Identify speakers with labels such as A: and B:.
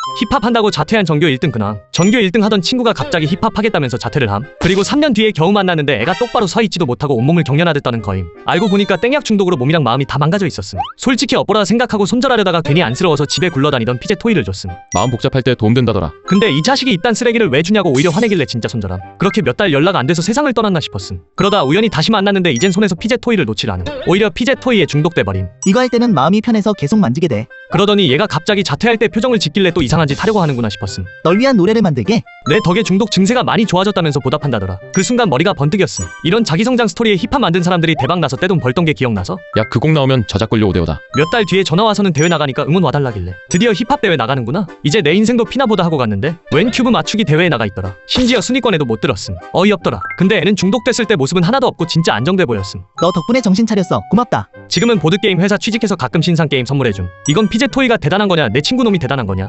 A: 힙합한다고 자퇴한 전교 1등 근황. 전교 1등 하던 친구가 갑자기 힙합하겠다면서 자퇴를 함. 그리고 3년 뒤에 겨우 만났는데 애가 똑바로 서 있지도 못하고 온몸을 경련하듯다는 거임. 알고 보니까 땡약 중독으로 몸이랑 마음이 다 망가져 있었음. 솔직히 엇보라 생각하고 손절하려다가 괜히 안쓰러워서 집에 굴러다니던 피제 토이를 줬음.
B: 마음 복잡할 때 도움된다더라.
A: 근데 이 자식이 이딴 쓰레기를 왜 주냐고 오히려 화내길래 진짜 손절함. 그렇게 몇 달 연락 안 돼서 세상을 떠났나 싶었음. 그러다 우연히 다시 만났는데 이젠 손에서 피제 토이를 놓질 않음. 오히려 피제 토이에 중독돼버림.
C: 이거 할 때는 마음이 편해서 계속 만지게 돼.
A: 그러더니 얘가 갑자기 자퇴할 때 표정을 짓길래 또 이상한 짓 하려고 하는구나 싶었음.
C: 널 위한 노래를 만들게.
A: 내 덕에 중독 증세가 많이 좋아졌다면서 보답한다더라. 그 순간 머리가 번뜩였음. 이런 자기성장 스토리에 힙합 만든 사람들이 대박 나서 떼돈 벌던 게 기억나서
B: 야, 그 곡 나오면 저작권료 5대5다.
A: 몇 달 뒤에 전화 와서는 대회 나가니까 응원 와달라길래 드디어 힙합 대회 나가는구나. 이제 내 인생도 피나보다 하고 갔는데 웬 큐브 맞추기 대회에 나가 있더라. 심지어 순위권에도 못 들었음. 어이없더라. 근데 애는 중독됐을 때 모습은 하나도 없고 진짜 안정돼 보였음.
C: 너 덕분에 정신 차렸어. 고맙다.
A: 지금은 보드게임 회사 취직해서 가끔 신상 게임 선물해줌. 이건 피제 토이가 대단한 거냐 내 친구 놈이 대단한 거냐.